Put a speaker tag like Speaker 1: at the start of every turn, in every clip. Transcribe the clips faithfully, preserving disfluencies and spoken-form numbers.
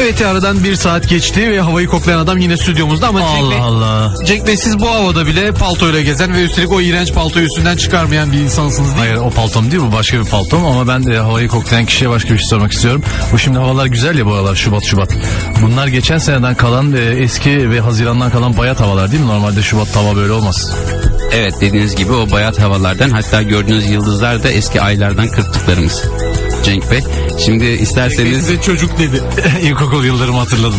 Speaker 1: Evet, aradan bir saat geçti ve havayı koklayan adam yine stüdyomuzda ama
Speaker 2: Allah
Speaker 1: Cenk Bey,
Speaker 2: Allah.
Speaker 1: Cenk Bey, siz bu havada bile paltoyla gezen ve üstelik o iğrenç paltoyu üstünden çıkarmayan bir insansınız değil mi?
Speaker 2: Hayır, o paltom değil, bu başka bir paltom ama ben de havayı koklayan kişiye başka bir şey sormak istiyorum. Bu şimdi havalar güzel ya, bu havalar Şubat Şubat. Bunlar geçen seneden kalan e, eski ve Haziran'dan kalan bayat havalar değil mi? Normalde Şubat hava böyle olmaz.
Speaker 3: Evet, dediğiniz gibi o bayat havalardan, hatta gördüğünüz yıldızlar da eski aylardan kırptıklarımız. Cenk Bey, şimdi isterseniz...
Speaker 1: Cenk Bey size çocuk dedi.
Speaker 2: İlkokul yıllarımı hatırladım.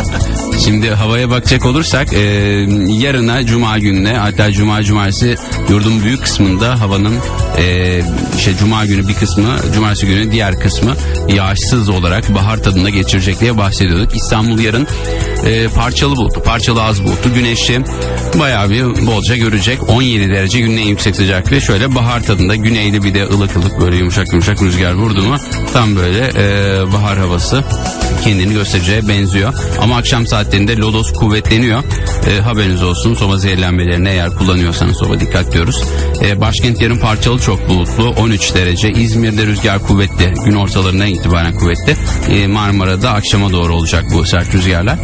Speaker 3: Şimdi havaya bakacak olursak e, yarına Cuma gününe, hatta Cuma Cumartesi yurdun büyük kısmında havanın e, işte Cuma günü bir kısmı, Cumartesi günü diğer kısmı yağışsız olarak bahar tadında geçirecek diye bahsediyorduk. İstanbul yarın e, parçalı bulutlu, parçalı az bulutlu, güneşli bayağı bir bolca görecek. on yedi derece günün en yüksek sıcaklığı, şöyle bahar tadında, güneyli bir de ılık ılık böyle yumuşak yumuşak rüzgar vurdu mu tam böyle e, bahar havası kendini göstereceğe benziyor. Ama akşam saatlerinde lodos kuvvetleniyor. E, haberiniz olsun, soba zehirlenmelerine eğer kullanıyorsanız soba dikkat diyoruz. E, başkent yarın parçalı çok bulutlu, on üç derece. İzmir'de rüzgar kuvvetli, gün ortalarından itibaren kuvvetli. E, Marmara'da akşama doğru olacak bu sert rüzgarlar.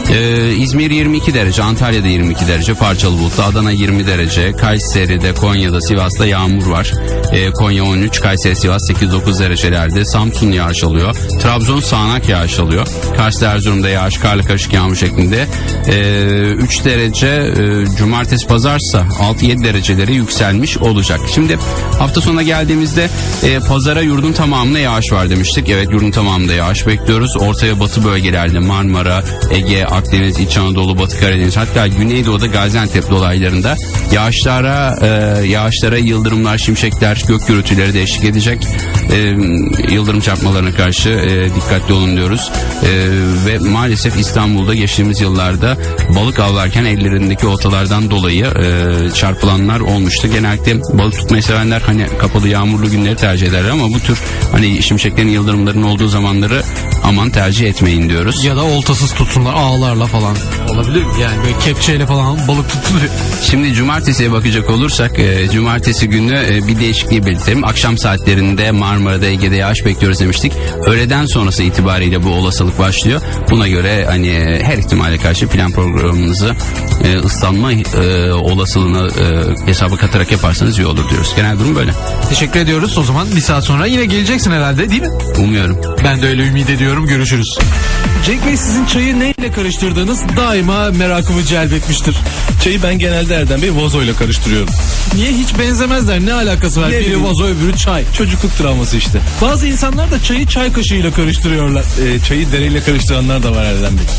Speaker 3: E, İzmir yirmi iki derece, Antalya'da yirmi iki derece parçalı bulutlu, Adana yirmi derece, Kayseri'de, Konya'da, Sivas'ta yağmur var. E, Konya on üç, Kayseri, Sivas sekiz dokuz derecelerde. Samsun yağış alıyor. Trabzon sağanak yağış alıyor. Kars'ta, Erzurum'da yağış, karlı karışık yağmur şeklinde. E, üç derece e, cumartesi pazarsa altı yedi dereceleri yükselmiş olacak. Şimdi hafta sonuna geldiğimizde e, pazara yurdun tamamına yağış var demiştik. Evet, yurdun tamamında yağış bekliyoruz. Orta ve batı bölgelerde Marmara, Ege, Akdeniz, İç Anadolu, Batı Karadeniz, hatta Güneydoğu'da Gaziantep dolaylarında yağışlara e, yağışlara yıldırımlar, şimşekler, gök gürültüleri de eşlik edecek. E, yıldırım çarpmalarına karşı e, dikkatli olun diyoruz. E, ve maalesef İstanbul'da geçtiğimiz yıllarda balık avlarken ellerindeki oltalardan dolayı e, çarpılanlar olmuştu. Genellikle balık tutmayı sevenler hani kapalı yağmurlu günleri tercih ederler ama bu tür hani şimşeklerin, yıldırımların olduğu zamanları aman tercih etmeyin diyoruz.
Speaker 1: Ya da oltasız tutsunlar, ağlarla falan. Olabilir mi? Yani böyle kepçeyle falan balık tutuluyor.
Speaker 3: Şimdi cumartesiye bakacak olursak e, cumartesi günü e, bir değişikliği belirtelim. Akşam saatlerinde Marmara'da, Ege'de yağış bekliyoruz demiştik. Öğleden sonrası itibariyle bu olasılık başlıyor. Buna göre hani her ihtimale karşı plan programınızı e, ıslanma e, olasılığını e, hesaba katarak yaparsanız iyi olur diyoruz. Genel durum böyle.
Speaker 1: Teşekkür ediyoruz. O zaman bir saat sonra yine geleceksin herhalde, değil mi?
Speaker 3: Umuyorum.
Speaker 1: Ben de öyle ümit ediyorum. Görüşürüz. Cenk Bey, sizin çayı neyle karıştırdığınız daima merakımı celbetmiştir.
Speaker 2: Çayı ben genelde Erdem Bey vazoyla karıştırıyorum.
Speaker 1: Niye, hiç benzemezler? Ne alakası var?
Speaker 2: Ne
Speaker 1: Biri
Speaker 2: bileyim.
Speaker 1: vazo, öbürü çay.
Speaker 2: Çocukluk travması işte.
Speaker 1: Bazı insanlar da çayı çay kaşığıyla karıştırıyorlar.
Speaker 2: Ee, çayı dereyle karıştıranlar da var Erdem Bey.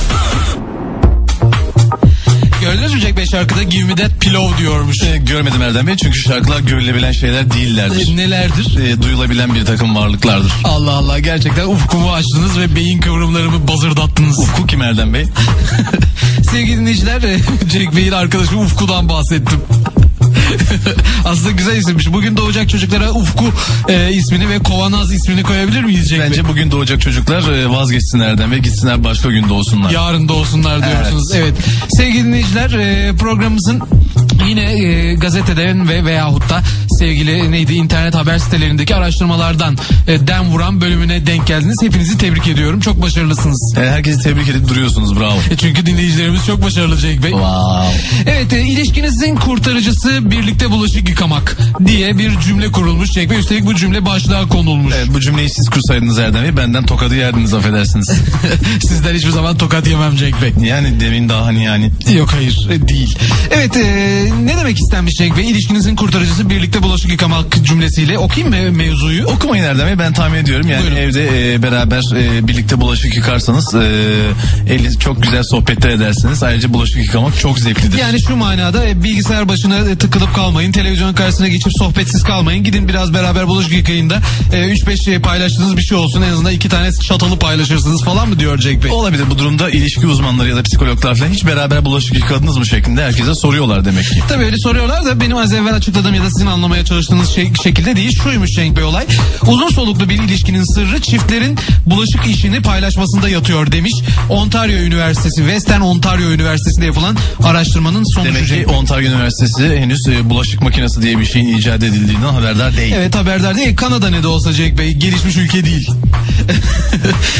Speaker 1: Gördünüz mü Cenk Bey, şarkıda Give Me That Pillow diyormuş.
Speaker 2: Ee, görmedim Erdem Bey, çünkü şarkılar görülebilen şeyler değillerdir.
Speaker 1: E, nelerdir?
Speaker 2: Ee, duyulabilen bir takım varlıklardır.
Speaker 1: Allah Allah, gerçekten ufkumu açtınız ve beyin kıvrımlarımı bazırdattınız.
Speaker 2: Ufku kim Erdem Bey?
Speaker 1: Sevgili dinleyiciler, Cenk Bey'in arkadaşı Ufku'dan bahsettim. Aslında güzel isimmiş. Bugün doğacak çocuklara Ufku e, ismini ve Kovanaz ismini koyabilir miyiz Cenk
Speaker 2: Bence
Speaker 1: Bey?
Speaker 2: bugün doğacak çocuklar e, vazgeçsinler Erdem Bey, gitsinler başka gün doğsunlar.
Speaker 1: Yarın doğsunlar diyorsunuz. Evet. Evet. Sevgili dinleyiciler, e, programımızın yine e, gazeteden ve veyahut da sevgili neydi internet haber sitelerindeki araştırmalardan e, dem vuran bölümüne denk geldiniz. Hepinizi tebrik ediyorum. Çok başarılısınız.
Speaker 2: E, herkesi tebrik edip duruyorsunuz, bravo.
Speaker 1: E, çünkü dinleyicilerimiz çok başarılı Cenk Bey.
Speaker 2: Wow.
Speaker 1: Evet, e, ilişkinizin kurtarıcısı birlikte bulaşık yıkamak diye bir cümle kurulmuş Cenk Bey. Üstelik bu cümle başlığa konulmuş.
Speaker 2: Evet, bu cümleyi siz kursaydınız Erdem Bey, benden tokadı yerdiniz, affedersiniz.
Speaker 1: Sizden hiçbir zaman tokat yemem Cenk Bey.
Speaker 2: Yani demin daha hani yani.
Speaker 1: Yok, hayır, e, değil. Evet, e, ne demek istenmiş Cenk Bey? İlişkinizin kurtarıcısı birlikte bulaşık yıkamak cümlesiyle okuyayım mı mevzuyu?
Speaker 2: Okumayın Erdem Bey, ben tahmin ediyorum. Yani buyurun. Evde e, beraber e, birlikte bulaşık yıkarsanız e, eli çok güzel sohbetler edersiniz. Ayrıca bulaşık yıkamak çok zevklidir.
Speaker 1: Yani şu manada e, bilgisayar başına e, tıkılıp kalmayın. Televizyon karşısına geçip sohbetsiz kalmayın. Gidin biraz beraber bulaşık yıkayın da üç beş şey paylaştığınız bir şey olsun. En azından iki tane çatalı paylaşırsınız falan mı diyor Cenk Bey?
Speaker 2: Olabilir. Bu durumda ilişki uzmanları ya da psikologlar falan hiç beraber bulaşık yıkadınız mı şeklinde herkese soruyorlar demek ki.
Speaker 1: Tabii öyle soruyorlar da benim az evvel açıkladığım ya da sizin anlamaya çalıştığınız şey, şekilde değil. Şuymuş Cenk Bey olay. Uzun soluklu bir ilişkinin sırrı çiftlerin bulaşık işini paylaşmasında yatıyor demiş. Ontario Üniversitesi, Western Ontario Üniversitesi'nde yapılan araştırmanın sonucu.
Speaker 2: Demek ki Ontario Üniversitesi henüz e, bulaşık makinesi diye bir şeyin icat edildiğinden haberdar değil.
Speaker 1: Evet, haberdar değil. Kanada ne de olsa Cenk Bey, gelişmiş ülke değil.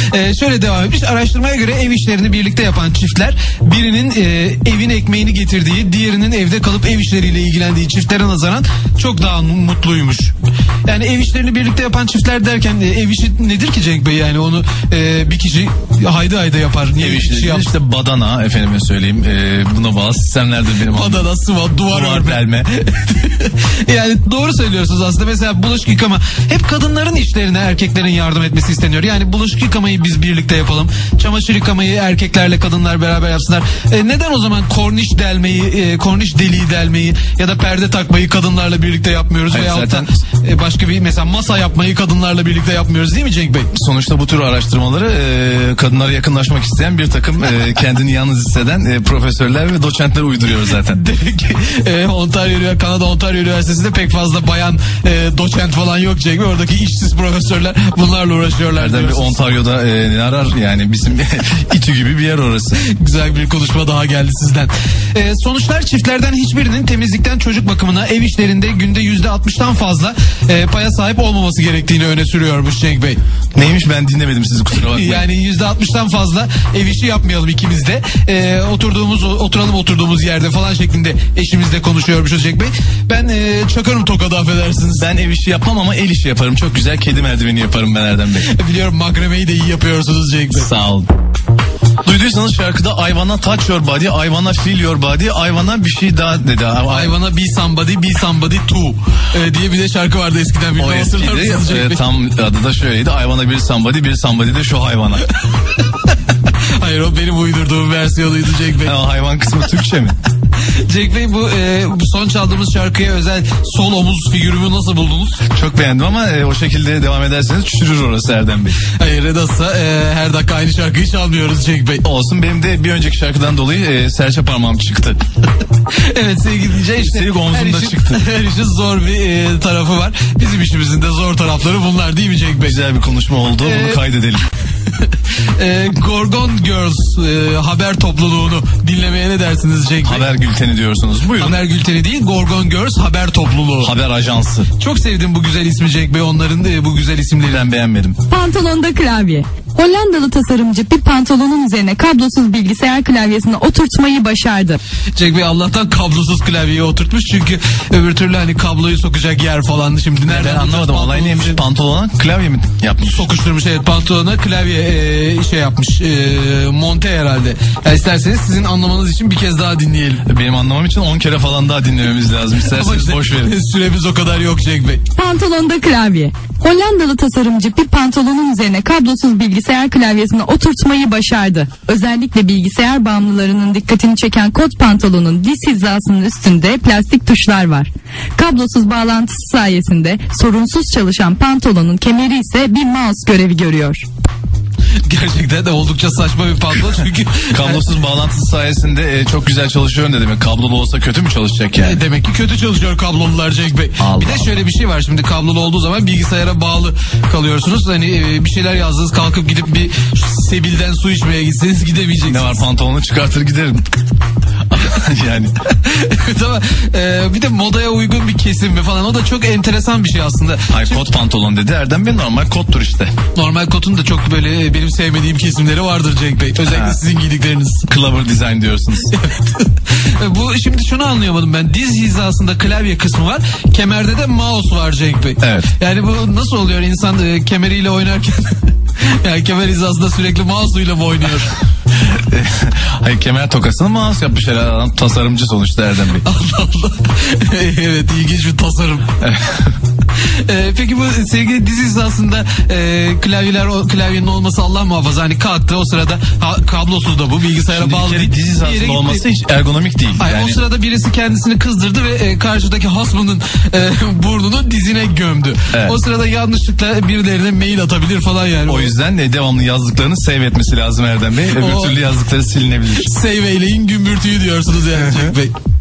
Speaker 1: Ee, şöyle devam etmiş. Araştırmaya göre ev işlerini birlikte yapan çiftler birinin e, evin ekmeğini getirdiği, diğerinin evde kalıp ev işleriyle ilgilendiği çiftlere nazaran çok daha mutluymuş. Yani ev işlerini birlikte yapan çiftler derken e, ev işi nedir ki Cenk Bey? Yani onu e, bir kişi haydi haydi yapar. Niye
Speaker 2: Ev
Speaker 1: bir kişi
Speaker 2: işleri
Speaker 1: yapsın?
Speaker 2: işte badana, efendime söyleyeyim. E, buna bağlı sistemlerdir benim anladığım.
Speaker 1: Badana, sıva, duvar,
Speaker 2: Duvar
Speaker 1: örme.
Speaker 2: delme.
Speaker 1: Yani doğru söylüyorsunuz aslında. Mesela bulaşık yıkama. Hep kadınların işlerine erkeklerin yardım etmesi isteniyor. Yani bulaşık yıkamayı biz birlikte yapalım. Çamaşır yıkamayı erkeklerle kadınlar beraber yapsınlar. E, neden o zaman korniş delmeyi, e, korniş deliği delmeyi ya da perde takmayı kadınlarla birlikte yapmıyoruz?
Speaker 2: Hayır,
Speaker 1: Veyahut
Speaker 2: zaten-
Speaker 1: da e, başka bir mesela masa yapmayı kadınlarla birlikte yapmıyoruz değil mi Cenk Bey?
Speaker 2: Sonuçta bu tür araştırmaları e, kadınlara yakınlaşmak isteyen bir takım e, kendini yalnız hisseden e, profesörler ve doçentler uyduruyor zaten.
Speaker 1: Demek ki e, Ontario, Kanada Ontario Üniversitesi'nde pek fazla bayan e, doçent falan yok Cenk Bey. Oradaki işsiz profesörler bunlarla uğraşıyorlar.
Speaker 2: Nereden bir
Speaker 1: diyorsunuz.
Speaker 2: Ontario'da e, ne arar yani bizim İTÜ gibi bir yer orası.
Speaker 1: Güzel bir konuşma daha geldi sizden. Ee, sonuçlar çiftlerden hiçbirinin temizlikten çocuk bakımına ev işlerinde günde yüzde altmıştan fazla e, paya sahip olmaması gerektiğini öne sürüyormuş Cenk Bey.
Speaker 2: Neymiş ben dinlemedim sizi, kusura bakmayın.
Speaker 1: Yani yüzde altmıştan fazla ev işi yapmayalım ikimiz de. Ee, oturduğumuz oturalım oturduğumuz yerde falan şeklinde eşimizle konuşuyormuşuz Cenk Bey. Ben e, çakarım tokadı, affedersiniz.
Speaker 2: Ben ev işi yapmam ama el işi yaparım. Çok güzel kedi merdiveni yaparım ben Erdem Bey.
Speaker 1: Biliyorum, makremeyi de iyi yapıyorsunuz Cenk Bey.
Speaker 2: Sağ olun. Duyduysanız şarkıda I wanna touch your body, I wanna feel your body, I wanna bir şey daha dedi.
Speaker 1: I wanna be somebody, be somebody too ee, diye bir de şarkı vardı eskiden.
Speaker 2: O eskiydi. E, tam adı da şöyleydi. I wanna bir somebody, bir somebody de şu hayvana.
Speaker 1: Hayır, o benim uydurduğum versiyonuydu Cenk Bey.
Speaker 2: Ha, hayvan kısmı Türkçe mi?
Speaker 1: Cenk Bey, bu, e, bu son çaldığımız şarkıya özel sol omuz figürümü nasıl buldunuz?
Speaker 2: Çok beğendim ama e, o şekilde devam ederseniz çürür orası Erdem Bey.
Speaker 1: Hayır, nasılsa e, her dakika aynı şarkıyı çalmıyoruz Cenk Bey.
Speaker 2: Olsun, benim de bir önceki şarkıdan dolayı e, serçe parmağım çıktı.
Speaker 1: Evet sevgili dinleyiciler, işte
Speaker 2: Üstelik omzumda
Speaker 1: her işin,
Speaker 2: çıktı.
Speaker 1: her işin zor bir e, tarafı var. Bizim işimizin de zor tarafları bunlar değil mi Cenk Bey?
Speaker 2: Güzel bir konuşma oldu.
Speaker 1: Ee,
Speaker 2: Bunu kaydedelim.
Speaker 1: e, Gorgon Girls e, haber topluluğunu dinlemeye ne dersiniz Cenk Bey?
Speaker 2: Haber bülteni diyorsunuz. Buyurun.
Speaker 1: Haber Gülteni değil, Gorgon Girls haber topluluğu.
Speaker 2: Haber ajansı.
Speaker 1: Çok sevdim bu güzel ismi Cenk Bey, onların e, bu güzel isimleri.
Speaker 2: Ben beğenmedim.
Speaker 4: Pantolonda klavye. Hollandalı tasarımcı bir pantolonun üzerine kablosuz bilgisayar klavyesini oturtmayı başardı.
Speaker 1: Cenk Bey Allah'tan kablosuz klavyeyi oturtmuş, çünkü öbür türlü hani kabloyu sokacak yer falan şimdi nereden
Speaker 2: Ben anlamadım.
Speaker 1: bulacağız
Speaker 2: Olay neymiş?
Speaker 1: pantolonu?
Speaker 2: Pantolona klavye mi yapmış?
Speaker 1: Sokuşturmuş, evet, pantolona klavye e, şey yapmış, e, monte herhalde. Yani isterseniz sizin anlamanız için bir kez daha dinleyelim.
Speaker 2: Benim anlamam için on kere falan daha dinlememiz lazım.
Speaker 1: Ama
Speaker 2: İsterseniz
Speaker 1: işte
Speaker 2: boş verin.
Speaker 1: süremiz o kadar yok Cenk Bey.
Speaker 4: Pantolonda klavye. Hollandalı tasarımcı bir pantolonun üzerine kablosuz bilgisayar klavyesini oturtmayı başardı. Özellikle bilgisayar bağımlılarının dikkatini çeken kot pantolonun diz hizasının üstünde plastik tuşlar var. Kablosuz bağlantısı sayesinde sorunsuz çalışan pantolonun kemeri ise bir mouse görevi görüyor.
Speaker 1: Gerçekten de oldukça saçma bir pantolon, çünkü
Speaker 2: Kablosuz bağlantısı sayesinde e, çok güzel çalışıyor ne demek? Kablolu olsa kötü mü çalışacak yani?
Speaker 1: E, demek ki kötü çalışıyor kablolular Cenk Bey.
Speaker 2: Allah
Speaker 1: bir de şöyle bir şey var, şimdi kablolu olduğu zaman bilgisayara bağlı kalıyorsunuz. Hani e, bir şeyler yazdınız, kalkıp gidip bir sebilden su içmeye gitseniz gidemeyeceksiniz.
Speaker 2: Ne var, pantolonu çıkartır giderim. Yani.
Speaker 1: Evet, ama e, bir de modaya uygun bir kesim mi falan, o da çok enteresan bir şey aslında.
Speaker 2: Hayır, kot pantolon dedi Erdem Bey, normal kottur işte.
Speaker 1: Normal kotun da çok böyle e, benim sevmediğim kesimleri vardır Cenk Bey. Özellikle
Speaker 2: Ha.
Speaker 1: sizin giydikleriniz.
Speaker 2: Clover design diyorsunuz.
Speaker 1: E, Bu şimdi şunu anlayamadım ben. Diz hizasında klavye kısmı var. Kemerde de mouse var Cenk Bey.
Speaker 2: Evet.
Speaker 1: Yani bu nasıl oluyor, insan e, kemeriyle oynarken yani kemer hizasında sürekli mouse'uyla mı oynuyor?
Speaker 2: Hayır, kemer tokasını mouse yapmış herhalde adam, tasarımcı sonuçta Erdem Bey.
Speaker 1: Allah Allah. Evet, ilginç bir tasarım. Ee, peki bu sevgili diz hizasında e, klavyeler, o klavyenin olması Allah muhafaza, hani kalktı o sırada ha, kablosuz da bu bilgisayara
Speaker 2: Şimdi bir
Speaker 1: bağlı
Speaker 2: kere
Speaker 1: değil.
Speaker 2: diz
Speaker 1: Bir yere
Speaker 2: hizasında
Speaker 1: gitti.
Speaker 2: olması hiç ergonomik değil.
Speaker 1: Hayır,
Speaker 2: yani...
Speaker 1: o sırada birisi kendisini kızdırdı ve e, karşıdaki hasmının e, burnunu dizine gömdü.
Speaker 2: Evet.
Speaker 1: O sırada yanlışlıkla birilerine mail atabilir falan yani.
Speaker 2: O yüzden de devamlı yazdıklarını save etmesi lazım Erdem Bey. Öbür
Speaker 1: O-
Speaker 2: türlü yazdıkları silinebilir.
Speaker 1: Save eyleyin gümbürtüyü diyorsunuz yani Cenk Bey.